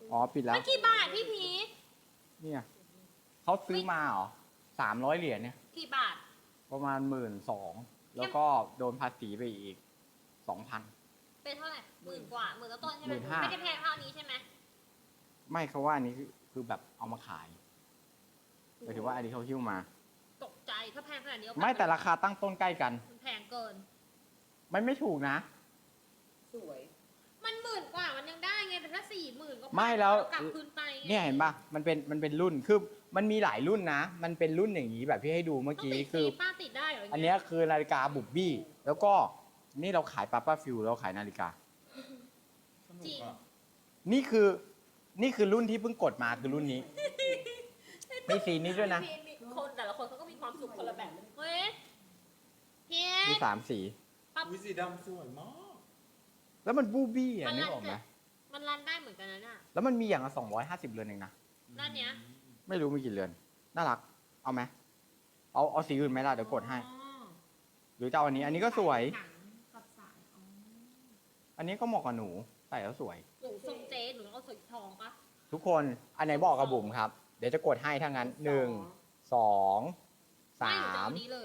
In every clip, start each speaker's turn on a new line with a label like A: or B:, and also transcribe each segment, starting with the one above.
A: อ๋อปิดแล้ว
B: มันกี่บาทพี่พีช
A: เนี่ยเขาซื้อมาเหรอ300 เหรียญเนี่ย
B: กี่บาท
A: ประมาณ12,000แล้วก็โดนภาษีไปอีก2,000
B: เป็นเท่าไหร่10,000 กว่า10,000ต้นๆใช่ไหม
A: 15,000
B: ไม่ได้แพงเท่านี้ใช่ไหม
A: ไม่เขาว่าอันนี้คือแบบเอามาขายหมายถึงว่าอันนี้เขาหิ้วมา
B: ตกใจถ้าแพงขนาดนี้เอาป
A: ไม่แต่ราคาตั้งต้นใกล้กัน
B: มันแพงเกิน
A: มันไม่ถูกนะ
C: สวย
B: มัน10,000 กว่ามันยังได้ไงแต่ถ้า40,000 ก็
A: ไม่แล้ว
B: กลับคืนไปไง
A: เนี่ยเห็นปะมันเป็นรุ่นคือมันมีหลายรุ่นนะ มันเป็นรุ่นอย่างนี้แบบที่ให้ดูเมื่อ
B: ต้อง
A: กี้
B: ติด
A: คือ
B: ป้าติดได้เหรอ
A: อันเนี้ยคือนาฬิกาบุบบี้ แล้วก็นี่เราขายป้าฟิวเราขายนาฬิกา
B: จริง
A: นี่คือรุ่นที่เพิ่งกดมาคือรุ่นนี้ มีสีนี้ด้วยนะ
B: มีคนแต่ละคนเขาก็มีความสุขคนละแบบเฮ้ยเฮี
A: มี
B: ย
A: 3 สี
D: วิสีดำสวยมาก
A: แล้วมันบูบี้อ่ะนึกออกไหม
B: มันรันได้เหมือนกันนะน่ะ
A: แล้วมันมีอย่างละ250 เรือนเองนะ
B: ด้านเนี้ย
A: ไม่รู้มีกี่เรือน น่ารัก เอาไหมเอาสีอื่นไหมล่ะเดี๋ยวกดให้ หรือจะเอาอันนี้ อันนี้ก็สวย
B: หนังกับสายอ๋อ
A: อันนี้ก็เหมาะกับหนูใส่แล้วสวย
B: หนูทรงเจ๊หนูต้องเอาสีทองปะ
A: ทุกคนอันไหนบอกกับบุ๋มครับ เดี๋ยวจะกดให้ทั้งนั้น1 2
B: ไม่หนูจะเอา
A: 3
B: นี้เลย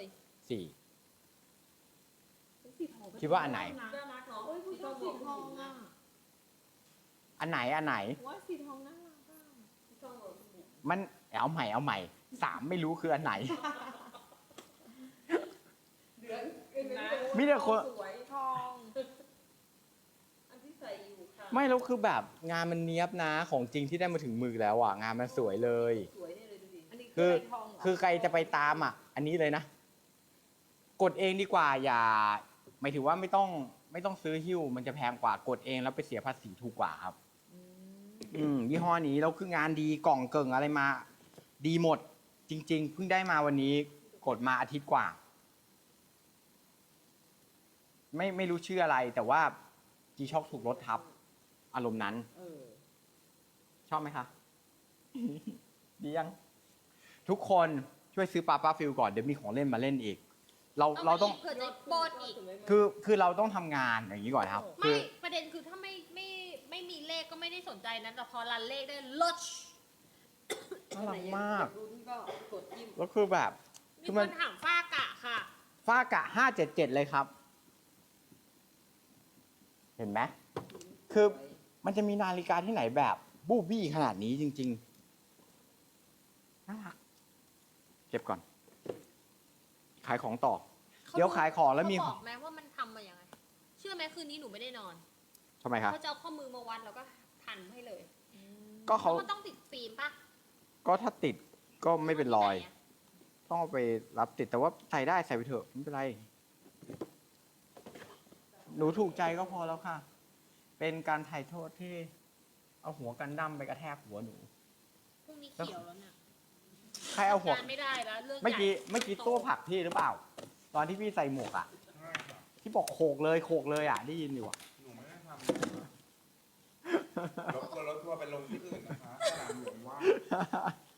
A: 4
C: สีทอง
A: คิดว่าอันไหน
C: น่ารักเนาะโอ้ยผู้ชอบสีทองอ่ะ
A: อันไหน
C: ว่าสีทองน่ารักอ่ะสีทองเหรอ
A: มันเอาใหม่3ไม่รู้คืออันไหน
C: เดือน
A: มีแต่คน
C: สวยทองอันที่ใส่อยู่ค่ะ
A: ไม่แล้วคือแบบงานมันเนี้ยบนะของจริงที่ได้มาถึงมือแล้วอ่ะงานมันสวยเลย
C: สวยนี่เลยดูดิอันนี้
A: คือ
C: ทองเหรอ
A: คือใครจะไปตามอ่ะ อันนี้เลยนะ กดเองดีกว่าอย่าหมายถึงว่าไม่ต้องซื้อหิ้วมันจะแพงกว่ากดเองแล้วไปเสียภาษีถูกกว่าครับ ยี่ห้อนี้แล้วคืองานดีกล่องเกิ่งอะไรมา ดีหมด จริง ๆ เพิ่งได้มาวันนี้ กดมาอาทิตย์กว่า ไม่รู้ชื่ออะไร แต่ว่าจีช็อกถูกรถทับ อารมณ์นั้น ชอบไหมคะ ดียัง ทุกคนช่วยซื้อป้าฟิลก่อนเดี๋ยวมีของเล่นมาเล่นอีก เราต้อง
B: เผื่อจะโปนอีก
A: คือเราต้องทำงานอย่างนี้ก่อนครับ คื
B: ไม่
A: อ
B: ประเด็นคือถ้าไม่มีเลขก็ไม่ได้สนใจนะแต่พอรันเลขได้ลด
A: น่ารักมาก
C: รุ่นก็กดยิ้ม
A: แล้วคือแบบ
B: มี
A: คือ
B: ค
A: มัน
B: นถามฝ้ากะค่ะ
A: ฟ้ากะ577เลยครับ เห็นไหมคือมันจะมีนาฬิกาที่ไหนแบบ บูบี้ขนาดนี้จริงๆน่ารักเก็บก่อน ขายของต่อ เดี๋ยวขายของแล้วมี
B: เขาบอกไหมว่ามันทำมาอย่างไง เชื่อไหมคืนนี้หนูไม่ได้นอน
A: ทำไมครับ
B: เขาจะเอาข้อมือมาวัดแล้วก็ทันให้เลย
A: ก็เขา
B: มันต้องติดฟิล์มปะ
A: ก็ถ้าติดก็ไม่เป็นรอย ต้องเอาไปรับติดแต่ว่าใส่ได้ใส่ไปเถอะไม่เป็นไร หนูถูกใจก็พอแล้วค่ะ เป็นการถ่ายโทษที่ เอาหัวกันดั้มไปกระแทกหัวหนู
B: พรุ่งนี้เขียวแล้วเนี่ย
A: ใครเอาหัว
B: การไม่ได้แล้วเรื่อง
A: เมื่อกี้ตัวผลักพี่หรือเปล่า ตอนที่พี่ใส่หมวกอ่ะ ที่บอกโขกเลยอ่ะ ได้ยินอยู่อ่ะ
D: หนูไม่ได้ทำรถทัวร์ไปลงที่อื่นนะคะสนามหลวงว่าง